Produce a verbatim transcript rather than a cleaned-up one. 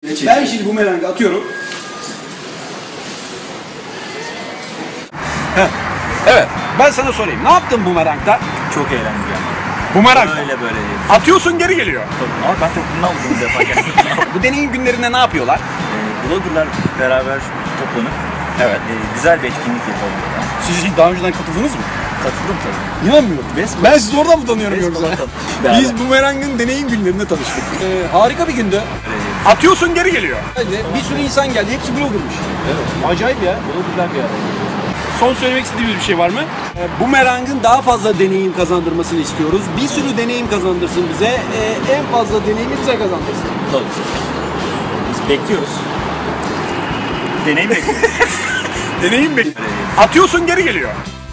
Ben şimdi bumerangı atıyorum. Heh. Evet, ben sana sorayım. Ne yaptın bumerangda? Çok eğlenceli yani. Bumerang. Böyle böyle. Atıyorsun, geri geliyor. Ama ben çok bundan vurdum bir defa geldim. Bu deneyim günlerinde ne yapıyorlar? e, Bloggerlar beraber toplanıp Evet. e, güzel bir etkinlik yapalım. Yani. Siz hiç daha önceden katıldınız mı? Katıldım tabii. İnanmıyorum. Resmen. Ben sizi oradan mı tanıyorum Resmen yoksa? tanıdım. Beraber. Biz bumerangın deneyim günlerinde tanıştık. Ee, harika bir gündü. Evet. Atıyorsun, geri geliyor. Bir sürü insan geldi, hepsi bloggermış. Evet. Acayip ya. Bloggerlar bir araya. Son söylemek istediğiniz bir şey var mı? Ee, bumerangın daha fazla deneyim kazandırmasını istiyoruz. Bir sürü deneyim kazandırsın bize. Ee, en fazla deneyimi bize kazandırsın. Tabii. Biz bekliyoruz. Deneyim bekliyoruz. Deneyim mi? Atıyorsun, geri geliyor.